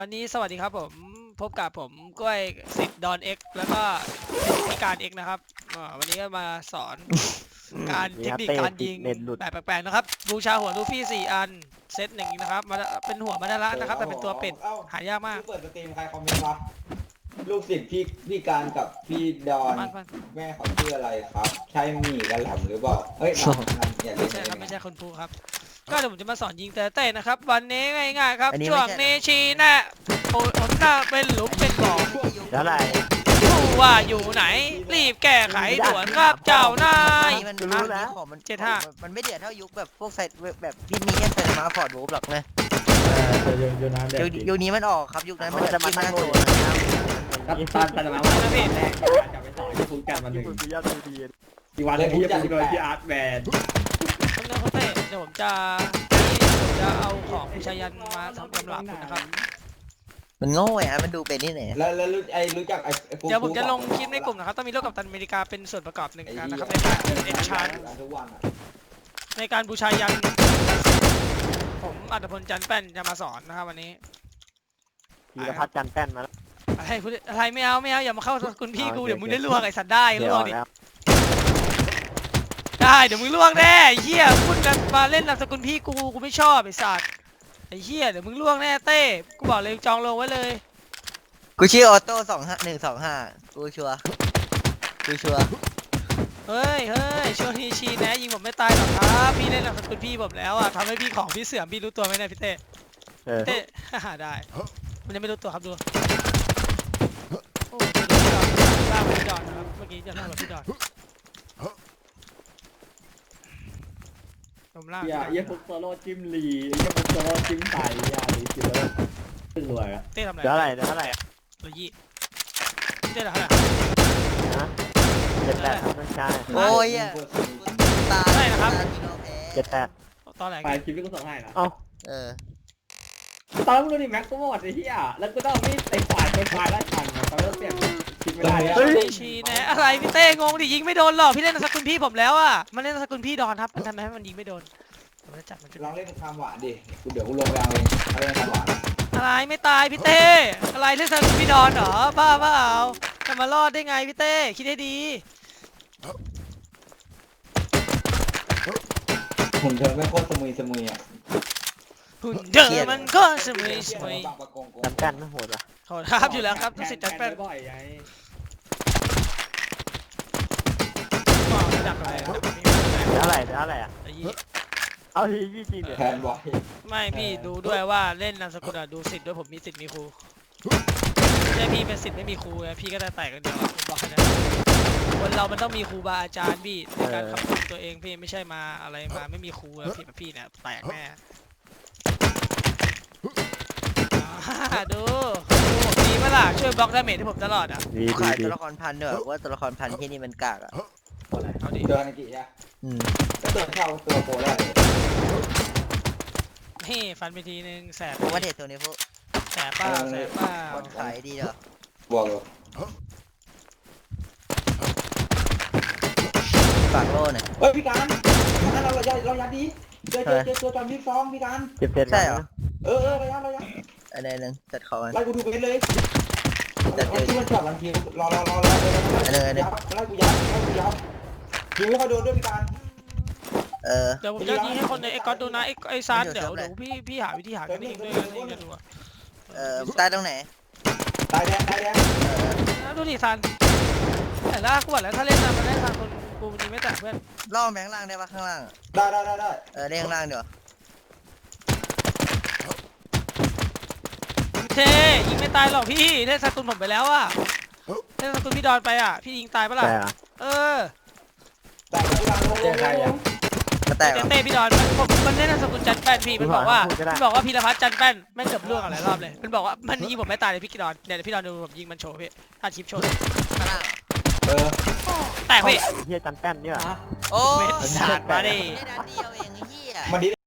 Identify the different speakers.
Speaker 1: วันนี้สวัสดีครับผมพบกับผมกล้วยสิทธิ์ดอนเอ็กแล้วก็พิการเอ็กนะครับวันนี้ก็มาสอนการเทคนิคการยิงแบบแปลกๆนะครับบูชาหัวลูฟี่4 อันเซตหนึ่งนะครับมาเป็นหัวมาดาระนะครับแต่เป็นตัวเป็ดหายากมาก
Speaker 2: เปิดสตรีมใครคอมเมนต์วะลูกศิษย์พี่การกับพี่ดอนแม่เขาชื่ออะไรครับใช่หมี่กันแหลมหรือเปล่าเฮ้ยอย่า
Speaker 1: ไม่ใช่ครับไม่ใช่คนพูครับก็เดี๋ยวผมจะมาสอนยิงเต้นะครับวันนี้ง่ายๆครับช่วงเนชีนะโอนหน้าเป็นหลุมเป็นบ่อ
Speaker 3: แล้วอะไร
Speaker 1: รู้ว่าอยู่ไหนรีบแก้ไขด่วนครับเจ้านาย
Speaker 3: มันรู้นะของมัน75มันไม่เดือดเท่ายุคแบบพวกไซต์แบบที่มีแค่ไซต์มาฟอร์ดวูฟหรอกนะยุคนี้มันออกครับยุคนั้นมันจะมาตั้งตัว
Speaker 4: ครับตอนแต่ละวันแรกจะไปสอนที่ฟูดกันวันหนึ่งอีกวันนึงพี่จะไปที่อาร์ตแบนด์
Speaker 1: เดี๋ยวผมจะเอาของพิชายันมาทำกำลังนะครับ
Speaker 3: มันโง่อะมันดูเป็นที่ไหน
Speaker 2: แล้วรู้จัก
Speaker 1: เดี๋ยวผมจะลงคลิปในกลุ่มนะครับต้องมีโลกกัปตันอเมริกาเป็นส่วนประกอบหนึ่งนะครับในการเอ็นชาร์ในการบูชายันผมอัตพลจันแป้นจะมาสอนนะครับวันนี้
Speaker 3: ธีรพัฒน์จันแป้นมาแล้ว
Speaker 1: อะไรไม่เอาอย่ามาเข้าคุณพี่กูเดี๋ยวมึงได้ล่วงไอ้สัตว์ได้ล่วงดิได้เดี๋ยวมึงล่วงแน่ไอ้เหี้ยพูดกันมาเล่นนามสกุลพี่กูไม่ชอบไอ้สัตว์ไอ้เหี้ยเดี๋ยวมึงล่วงแน่เต้กูบอกเลยจองลงไว้เลย
Speaker 3: กูชื่อออโต้25125กูชัว
Speaker 1: เฮ้ยช่วงนี้ชีนะยิงผมไม่ตายหรอกครับพี่เล่นนามสกุลพี่ผมแล้วอ่ะทำให้พี่ของพี่เสื่อมพี่รู้ตัวไหมเนี่ยพี่เต้ได้มันยังไม่รู้ตัวครับดูโอ้ล่าพี่ดอนนะครับเมื่อกี้จะล่าพี่ดอนผมล่า
Speaker 4: เยี่ยฟุกโซโล่จิ้มลีเยี่ยฟุกโซโล่จิ้มไต่ลีจิ้มแล้วตึ้งรวยอะ
Speaker 1: เต้ทำอะไร
Speaker 3: เท่าไหร่
Speaker 1: 120เต้เท่าไหร่
Speaker 3: นะ78ครับไม่ใช่
Speaker 1: โอ้ย
Speaker 3: ตา
Speaker 1: ได้นะครับ
Speaker 3: 78
Speaker 1: ตอนไหน
Speaker 4: ไปคลิปที่กูส่งให้นะตอนมึงดูดิแม็กซ์ก็หมดไอ้เหี้ยแล้วกูต้องมีไอ้ฝ่ายไล่ทันตอนเริ่มเปลี่ยนคิดไม่ได้
Speaker 1: เลยชีนะอะไรพี่เต้งงดิยิงไม่โดนหรอกพี่เล่นนามสกุลพี่ผมแล้วอ่ะมันเล่นนามสกุลพี่ดอนครับมันทำไมให้มันยิงไม่โดนผมจะจับมัน
Speaker 2: ลองเล่นความหวานดิเดี๋ยวกูลงไปเอาเองเล่นความหวาน
Speaker 1: อะไรไม่ตายพี่เต้อะไรเล่นนามสกุลพี่ดอนเหรอบ้าเปล่าจะมารอดได้ไงพี่เต้คิดให้ดี
Speaker 2: หุ่นเธอไม่โคตรสมุยอ่ะ
Speaker 1: หุ่นเธอมันก็สมุย
Speaker 3: จันแป้นไม่โหดหรอ
Speaker 1: โหดครับอยู่แล้วครับทุกสิทธิ์จันแป้น
Speaker 4: บ่อยไง
Speaker 1: ดักอะไร
Speaker 3: อ่ะเอาทีจริงเดี๋ยว
Speaker 2: แทนบ่อย
Speaker 1: ไม่พี่ดูด้วยว่าเล่นนามสกุลดูสิทธิ์ด้วยผมมีสิทธิ์มีครูไม่ใช่พี่เป็นสิทธิ์ไม่มีครูไงพี่ก็ได้แตกกันเดียวผมบอกนะคนเรามันต้องมีครูบาอาจารย์พี่ในการขับเคลื่อนตัวเองพี่ไม่ใช่มาอะไรมาไม่มีครูแล้วพี่แบบพี่เนี่ยแตกแน่ดูดีเมื่อล่ะช่วยบล็อกดาเมจให้ผมตลอดอ่ะ
Speaker 3: ขายตัวละครพันเนอะว่าตัวละครพันที่นี่มันกากอ่ะ
Speaker 1: เอาดิ
Speaker 2: เจอนากิอ่ะแล้วตัวเข้าตัวโปรได้
Speaker 1: เฮ้ฟันไปทีนึงแสบ
Speaker 3: ว่าเด็ดตัวนี้พวก
Speaker 1: แสบป้า
Speaker 3: วันขายดีเหรอบ
Speaker 2: วกเลย
Speaker 3: ฝากโล่หน่อย
Speaker 2: เฮ้ยพี่การงั้นเรายัดดีเจอตัวจอมบิ๊กซองพี่การ
Speaker 3: ใช่เหรอ
Speaker 2: เรายัด
Speaker 3: อะไรนึงจัดคอมัน
Speaker 2: ไล่กูดูไปเลยจัดที่มันจับมันทีรอไล่กูยัดยิงไม่ค่อยโดนด้วยพี่การ
Speaker 1: เดี๋ยวผมจะยิงให้คนในไอ้ก๊อตดูนะไอ้ซานเดี๋ยวพี่หาวิธีหากันเองด้วยกันดู
Speaker 3: ตายตรงไหน
Speaker 2: ตายแดง
Speaker 1: ดูดิซันแต่ละกูบอกแล้วถ้าเล่นนะมันได้ทางคนกูมันยิงไม่แตกเพื่อน
Speaker 3: ล่อแมงล่างได้ปะข้างล่าง
Speaker 2: ได้
Speaker 3: เล่นข้างล่างเดี๋ยว
Speaker 1: เท่ยิงไม่ตายหรอกพี่เล่นสกุลผมไปแล้วอ่ะเล่นสกุลพี่ดอนไปอ่ะพี่ยิงตายปะล่ะ
Speaker 2: แต่พี่การลง
Speaker 1: เต้พี่ดอนมันเล่นสกุลจันแป้นพี่มันบอกว่าพีรพัฒน์จันแป้นไม่เกือบล่วงอะไรรอบเลยมันบอกว่ามันยิงผมไม่ตายเลยพี่ดอนเดี๋ยวพี่ดอนดูผมยิงมันโชว์พี่ถ้าชิปโชว์แตกพี่
Speaker 3: เฮียจันแป้นเนี่ย
Speaker 1: โอ้ยมาดิ
Speaker 2: มันดี